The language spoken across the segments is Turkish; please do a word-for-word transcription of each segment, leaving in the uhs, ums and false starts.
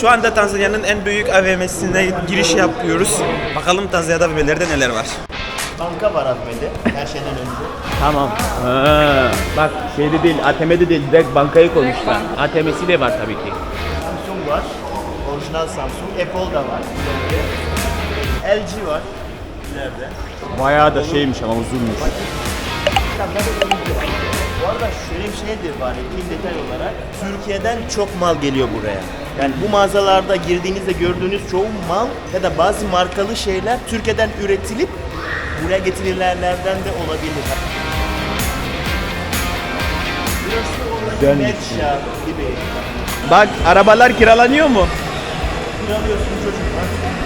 Şu anda Tanzanya'nın en büyük A V M'sine giriş yapıyoruz. Bakalım Tanzanya'da A V M'lerde neler var. Banka var A V M'de her şeyden önce. Tamam. Ha, bak şeyde değil, A T M'de değil, direkt bankayı koymuşlar. A T M'si de var tabii ki. Samsung var. Orijinal Samsung. Apple da var. L G var. İleride. Bayağı da şeymiş ama uzunmuş. Bu arada şöyle bir şey de var, bir detay olarak. Türkiye'den çok mal geliyor buraya. Yani bu mağazalarda girdiğinizde gördüğünüz çoğu mal ya da bazı markalı şeyler Türkiye'den üretilip buraya getirilenlerden de olabilir. Burası Güzelmiş. Medşa gibi. Bak arabalar kiralanıyor mu? Kiralıyorsun çocuklar.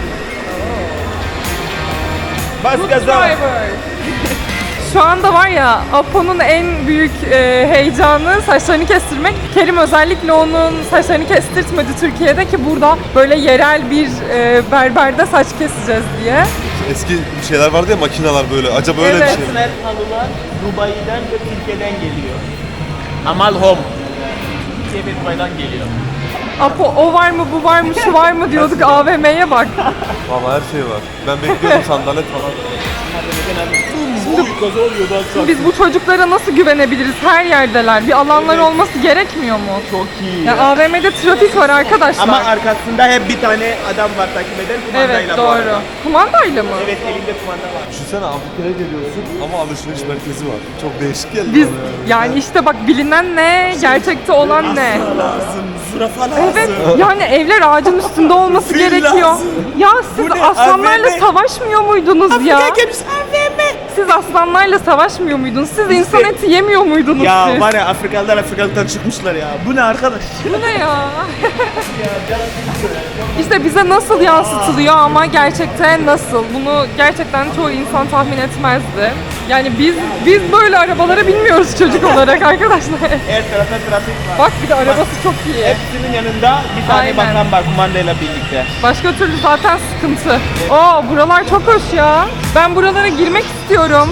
Bas gaza. Şu anda var ya, Apo'nun en büyük e, heyecanı saçlarını kestirmek. Kerim özellikle onun saçlarını kestirtmedi Türkiye'de ki burada böyle yerel bir e, berberde saç keseceğiz diye. Eski şeyler vardı ya, makineler böyle. Acaba öyle Evet. bir şey mi? Her halılar Dubai'den ve Türkiye'den geliyor. Amal Home. Türkiye ve Dubai'den geliyor. Apo o var mı, bu var mı, şu var mı diyorduk, A V M'ye bak. Valla her şey var. Ben bekliyordum sandalet falan. Biz bu çocuklara nasıl güvenebiliriz? Her yerdeler. Bir alanlar olması gerekmiyor mu? Çok iyi. Ya A V M'de trafik var arkadaşlar. Ama arkasında hep bir tane adam var takip eden kumandayla Evet bu doğru. arada. Kumandayla mı? Evet elinde kumanda var. Düşünsene, Afrika'ya geliyorsun ama alışveriş merkezi var. Çok değişik geldi Biz bana yani işte bak, bilinen ne, gerçekte olan ne? Lazım, zürafa lazım. Evet, yani evler ağacın üstünde olması Fil gerekiyor. lazım. Ya siz Bu ne? aslanlarla A V M. savaşmıyor muydunuz ya? gemisi A V M. Siz aslanlarla savaşmıyor muydunuz? Siz insan eti yemiyor muydunuz Ya siz? var ya, Afrikalılar Afrikalıktan çıkmışlar ya. Bu ne arkadaş? Bu ne ya? İşte bize nasıl yansıtılıyor ama gerçekten nasıl? Bunu gerçekten çoğu insan tahmin etmezdi. Yani biz biz böyle arabalara binmiyoruz çocuk olarak arkadaşlar. Her tarafta trafik var. Bak bir de arabası çok iyi. Hepsinin yanında bir tane Aynen. bakan var kumandayla birlikte. Başka türlü zaten sıkıntı. Oo, buralar çok hoş ya. Ben buralara girmek istiyorum.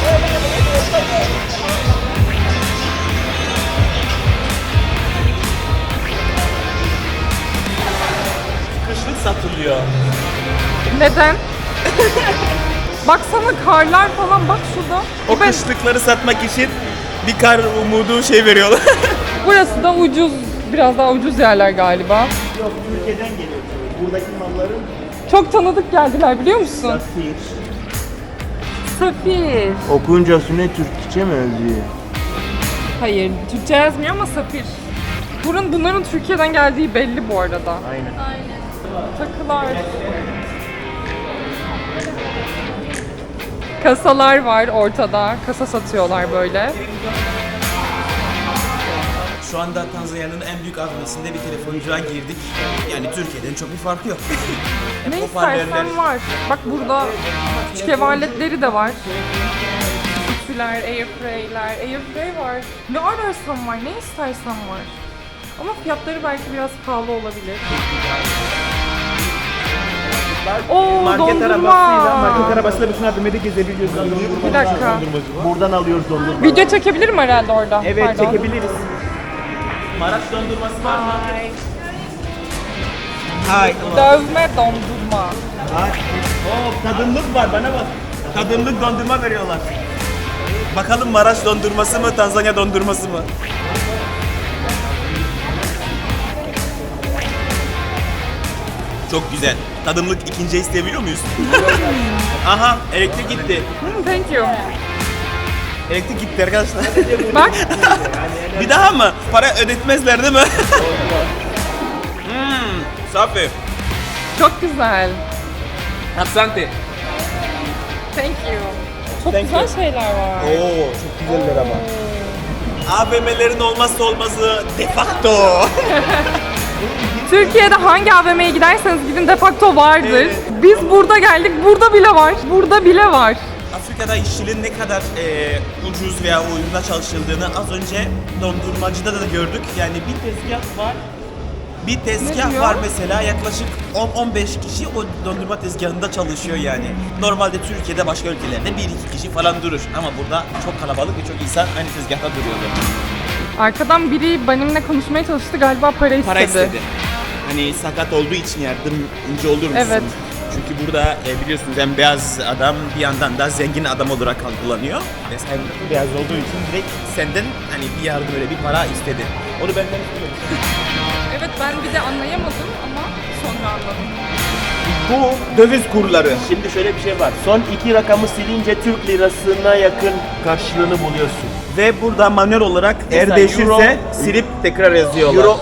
Kışlık satılıyor. Neden? Baksana karlar falan, bak şurada. O Ben- kışlıkları satmak için bir kar umudu şey veriyorlar. Burası da ucuz, biraz daha ucuz yerler galiba. Yok, Türkiye'den geliyor. Buradaki malların Çok tanıdık geldiler biliyor musun? safir. Safir. Okunca ne Türkçe mi yazıyor? Hayır, Türkçe yazmıyor ama safir. Bunun, bunların Türkiye'den geldiği belli bu arada. Aynen. Takılar. Kasalar var ortada. Kasa satıyorlar böyle. Şu anda Tanzanya'nın en büyük A V M'sinde bir telefoncuya girdik. Yani Türkiye'den çok bir farkı yok. Ne hoparlörler. istersen var. Bak burada küçük ev aletleri de var. Ütüler, airfryer'ler, airfryer var. Ne ararsan var, ne istersen var. Ama fiyatları belki biraz pahalı olabilir. Oo, Market arabasıyla, dondurma. market arabasıyla bütün A V M'de gezebiliyorsun. Bir dakika. Buradan alıyoruz dondurma. Video çekebilirim herhalde orada. Evet, Pardon. çekebiliriz. Maraş dondurması var mı? Hay. Dövme dondurma. Oo, tadımlık var, bana bak. Tadımlık dondurma veriyorlar. Bakalım Maraş dondurması mı, Tanzanya dondurması mı? Çok güzel. Tadımlık ikinci isteyebiliyor muyuz? Aha, elektrik gitti. Hmm, thank you. Elektrik gitti arkadaşlar. Bak, Bir daha mı? Para ödetmezler değil mi? Hmm, safi. çok güzel. Asante. Thank you. Çok Thank güzel you. şeyler var. Oo, çok güzeller ama. A V M'lerin olmazsa olmazı de facto. Türkiye'de hangi A V M'ye giderseniz gidin de facto vardır. Biz burada geldik, burada bile var. Burada bile var. Afrika'da işçiliğin ne kadar e, ucuz veya uyguna çalışıldığını az önce dondurmacıda da gördük. Yani bir tezgah var. Bir Ne tezgah diyor? var mesela, yaklaşık on on beş kişi o dondurma tezgahında çalışıyor yani. Normalde Türkiye'de başka ülkelerde bir iki kişi falan durur ama burada çok kalabalık ve çok insan aynı tezgahta duruyordu. Arkadan biri benimle konuşmaya çalıştı, galiba para istedi. Para istedi. hani sakat olduğu için yardımcı olur musun? Evet. Çünkü burada e, biliyorsunuz hem beyaz adam bir yandan da zengin adam olarak algılanıyor. Ve sen beyaz olduğu için direkt senden hani bir yardım öyle bir para istedi. Onu benden istedi. Evet, ben bir de anlayamadım ama sonra anladım. Bu döviz kurları. Şimdi şöyle bir şey var. Son iki rakamı silince Türk lirasına yakın karşılığını buluyorsun. Ve burada manuel olarak eğer Mesela değişirse euro- silip tekrar yazıyorlar. Euro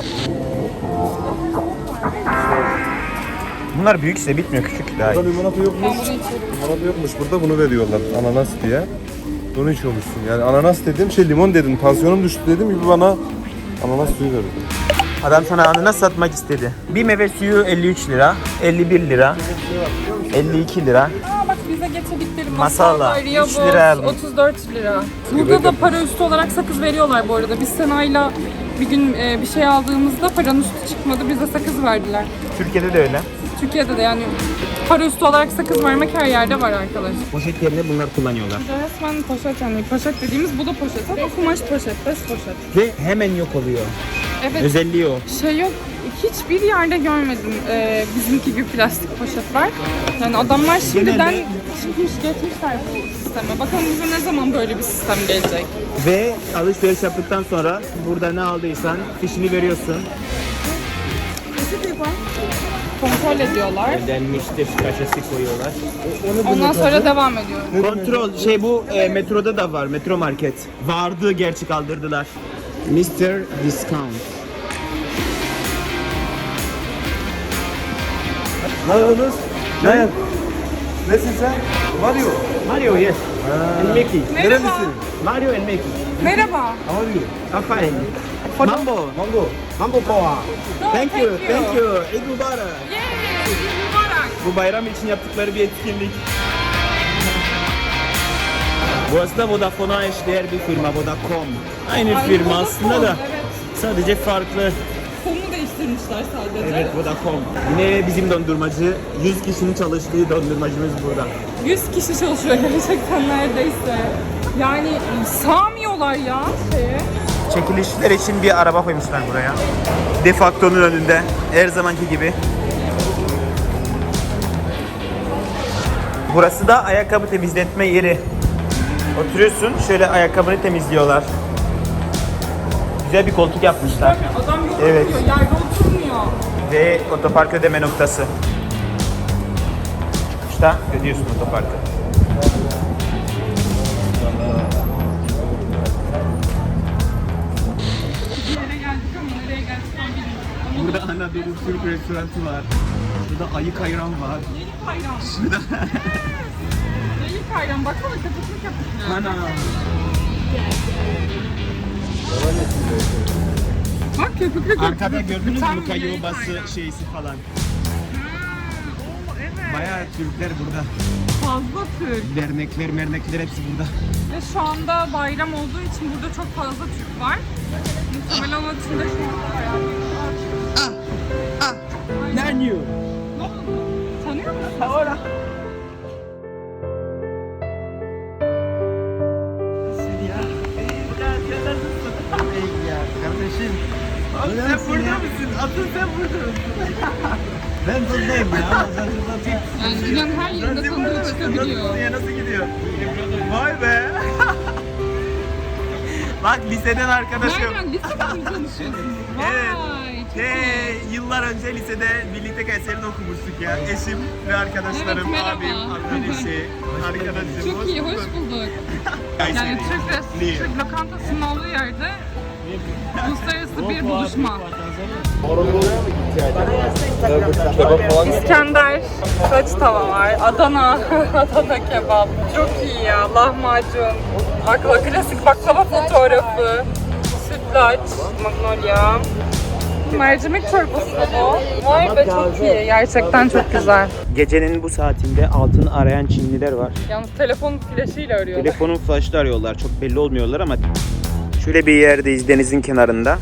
Bunlar büyükse bitmiyor, küçük daha iyi. Burada limonata yokmuş. Limonata yokmuş. Burada bunu veriyorlar ananas diye. Bunu içiyormuşsun. Yani ananas dedim, şey limon dedim. Tansiyonum düştü dedim gibi bana ananas suyu verdi. Adam sana ananas satmak istedi. Bir meyve suyu elli üç lira, elli bir lira, elli iki lira. Aa bak bize getirdikleri Masala, masala, üç lira aldım. otuz dört lira. Burada da para üstü olarak sakız veriyorlar bu arada. Biz Sena'yla bir gün e, bir şey aldığımızda paranın üstü çıkmadı, bize sakız verdiler. Türkiye'de de öyle. Türkiye'de de yani para üstü olarak sakız vermek her yerde var arkadaş. Poşet yerine bunlar kullanıyorlar. Resmen poşet yani poşet dediğimiz bu da poşet ama kumaş poşet, bez poşet. Ve hemen yok oluyor. Evet. Özelliği o. Şey yok, hiçbir yerde görmedim e, bizimki gibi plastik poşetler. Yani adamlar şimdiden çıkmış geçmişler bu sisteme. Bakalım bize ne zaman böyle bir sistem gelecek. Ve alışveriş yaptıktan sonra burada ne aldıysan fişini veriyorsun. Kontrol ediyorlar. Denmiştir, kaşesi koyuyorlar. Ondan sonra devam ediyor. Kontrol, şey bu e, metroda da var, metro market. Vardı, gerçi kaldırdılar. mister Discount. Ne yapıyorsunuz? Ne? Nesin sen? Mario. Mario, yes. And Mickey. Merhaba. Mario and Mickey. Merhaba. How are you? I'm fine. Mambo. Mango. Mambo Poa. No, Thank you, thank you. Eid Mubarak. Yay! Mübarek. Bu bayram için yaptıkları bir etkinlik. Burası da Vodafone'a eşdeğer bir firma, Vodacom. Aynı Ay, firma Vodafone, aslında da evet. sadece farklı. Konu değiştirmişler sadece. Evet, Vodacom. Yine bizim dondurmacı, yüz kişinin çalıştığı dondurmacımız burada. yüz kişi çalışıyor gerçekten neredeyse. Yani sağmıyorlar ya şeye. Çekilişler için bir araba koymuşlar buraya. Defacto'nun önünde, her zamanki gibi. Burası da ayakkabı temizletme yeri. Oturuyorsun, şöyle ayakkabını temizliyorlar. Güzel bir koltuk yapmışlar. Adam yok Evet. oturuyor, yerde oturmuyor. Ve otopark ödeme noktası. İşte ödüyorsun otoparkı. Bir yere geldik ama nereye geldik tam bilmiyorum. Ama Burada Anadolu Türk restoranı var. Burada ayık ayran var. Yayık ayran. Şurada. Yayık ayran. Baksana köpüklü köpüklü. Ana. Bak köpüklü köpüklü. Arkada gördünüz mü Tam Luka yayık yobası ayran. şeysi falan. Oo, evet. Bayağı Türkler burada. Fazla Türk. Dernekler, mernekler hepsi burada. Ve şu anda bayram olduğu için burada çok fazla Türk var. Muhtemelen onun için de şu anda bayağı bir var. Nanyo. Ne oldu? Tanıyor musun? Ahora. Kardeşim. Sen burada mısın? Asıl sen burada mısın? Ben buradayım ya. Ben buradayım. Yani dünyanın her yerinde tanıdığı çıkabiliyor. Ya nasıl gidiyor? Vay be. Bak liseden arkadaşım. Nereden? Liseden mi tanışıyorsunuz? Evet. Vay, çok iyi. Hey, yıllar önce lisede birlikte Kayseri'de okumuştuk ya. Eşim ve arkadaşlarım, Evet, merhaba. abim, arkadaşı, arkadaşım. Çok iyi, hoş bulduk. Yani Türk, res- Türk lokantasının olduğu yerde uluslararası bir buluşma. İskender, saç tava var, Adana, Adana kebap. Çok iyi ya, lahmacun, baklava, klasik baklava fotoğrafı, sütlaç, magnolia. Mercimek çorbası bu. Vay be çok iyi, gerçekten çok güzel. Gecenin bu saatinde altın arayan Çinliler var. Yalnız telefon flaşıyla arıyorlar. Telefonun flaşla arıyorlar. Çok belli olmuyorlar ama şöyle bir yerdeyiz denizin kenarında.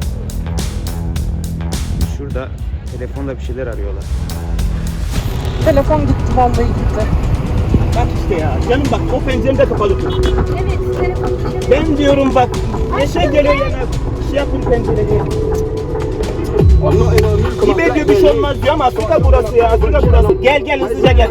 Şurada telefonla bir şeyler arıyorlar. Telefon gitti, vallahi gitti. Bak işte ya. Canım bak o pencerem de kapalı. Evet. Ben diyorum bak. Ne şey geliyor yana. Şey yapın pencereyi. Allah inanır. Gibi şey olmaz diyor ama Afrika burası ya. Afrika burası. Gel gel hızlıca gel.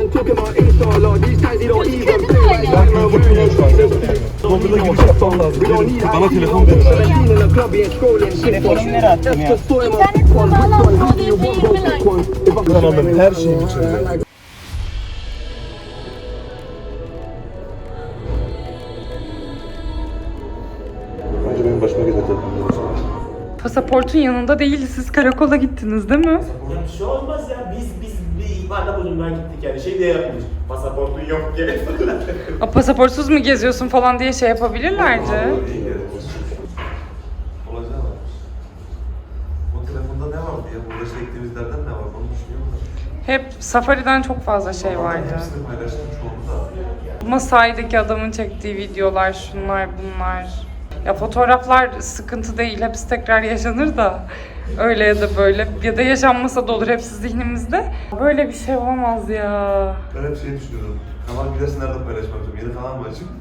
Google'a giriş yapmam lazım. Bana telefon verin. Telefonu nereye attım ya? İnternet bağlantısı oluyor değil mi? Kanalın her şeyini içinde. Bence benim başıma gelir telefonum. Pasaportun yanında değil, siz karakola gittiniz değil mi? Ya bir şey olmaz ya. Biz biz bir ihbarda bulunmaya gittik yani. Şey diye yapmış. Pasaportun yok diye. A, pasaportsuz mu geziyorsun falan diye şey yapabilirlerdi. Olacağı var. O telefonda ne vardı ya? Burada çektiğimizlerden ne var? Onu düşünüyorum da. Hep Safari'den çok fazla şey vardı. Hepsini paylaştım çoğunu da. Masai'deki adamın çektiği videolar, şunlar bunlar. Ya fotoğraflar sıkıntı değil, hepsi tekrar yaşanır da. Öyle ya da böyle. Ya da yaşanmasa da olur, hepsi zihnimizde. Böyle bir şey olamaz ya. Ben hep şey düşünüyorum. Kanal gidersin nerede paylaşmak istiyorum? Yeni kanal mı açayım?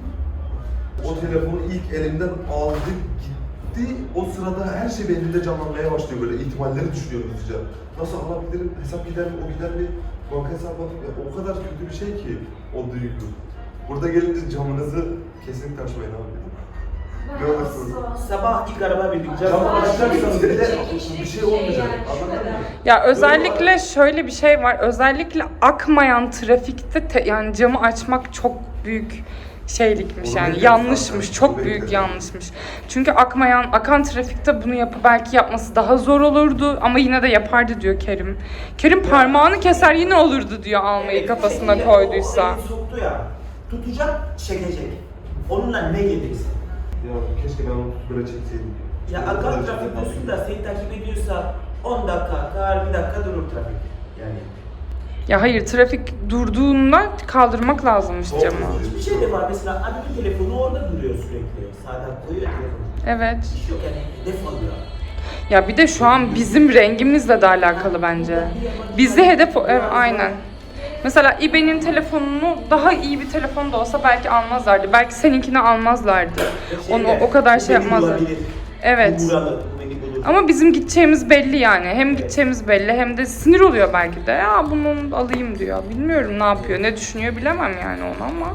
O telefonu ilk elimden aldı gitti. O sırada her şey beynimde canlanmaya başlıyor böyle. İhtimalleri düşünüyorum hızlıca. Nasıl alabilirim? Hesap gider mi? O gider mi? Banka hesabı alayım. Ya, o kadar kötü bir şey ki o duygu. Burada gelince camınızı kesinlikle açmayın abi. Ne olursun. Sabah ilk araba bindik. Camı açacaksanız bile bir şey olmayacak. Anladın mı? Ya özellikle şöyle bir şey var. Özellikle akmayan trafikte te- yani camı açmak çok büyük şeylikmiş Onu yani bekledim yanlışmış. zaten. Çok Onu büyük bekledim. yanlışmış. Çünkü akmayan, akan trafikte bunu yapı belki yapması daha zor olurdu ama yine de yapardı diyor Kerim. Kerim parmağını keser yine olurdu diyor almayı kafasına koyduysa. O elini soktu ya. Tutacak, çekecek. Onunla ne gelirse. Ya keşke ben onu böyle çekseydim. Ya akan trafik diyorsun da seni takip ediyorsa on dakika akar, bir dakika durur trafik. Yani. Ya hayır, trafik durduğunda kaldırmak lazımmış camı. Hiçbir şey de var mesela adamın telefonu orada duruyor sürekli. Sağdan koyuyor telefonu. Evet. Bir şey yok yani defoluyor. Ya bir de şu an bizim rengimizle de alakalı bence. Bizi hedef... Evet, aynen. Mesela İbe'nin telefonunu daha iyi bir telefon da olsa belki almazlardı. Belki seninkini almazlardı. Onu o kadar şey yapmazlar. Evet. Ama bizim gideceğimiz belli yani. Hem gideceğimiz belli hem de sinir oluyor belki de. Ya bunu alayım diyor. Bilmiyorum ne yapıyor, ne düşünüyor bilemem yani onu ama.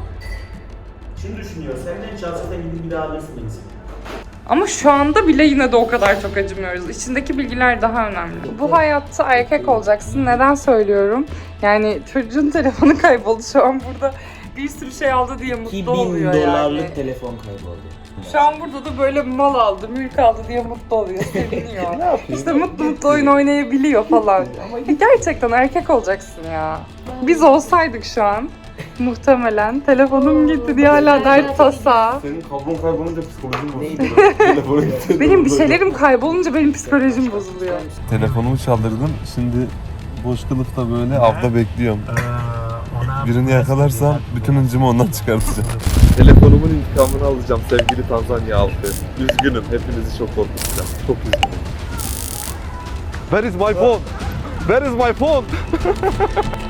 Şunu düşünüyor, senden çalsa da gidip bir daha alırsın insan. Ama şu anda bile yine de o kadar çok acımıyoruz. İçindeki bilgiler daha önemli. Bu hayatta erkek olacaksın. Neden söylüyorum? Yani çocuğun telefonu kayboldu. Şu an burada bir sürü şey aldı diye mutlu oluyor yani. telefon kayboldu. Şu an burada da böyle mal aldı, mülk aldı diye mutlu oluyor, seviniyor. İşte mutlu mutlu oyun oynayabiliyor falan. Ya gerçekten erkek olacaksın ya. Biz olsaydık şu an muhtemelen telefonum gitti diye hala dert tasa. Senin kablon kaybolunca psikolojim bozuldu. Telefonu gitti. Benim bir şeylerim kaybolunca benim psikolojim bozuluyor. Telefonumu çaldırdım. Şimdi boş kılıfta böyle avda bekliyorum. Birini yakalarsam bütün hıncımı ondan çıkartacağım. Telefonumun intikamını alacağım sevgili Tanzanya halkı. Üzgünüm. Hepinizi çok korkutacağım. Çok üzgünüm. Where is my phone? Where is my phone?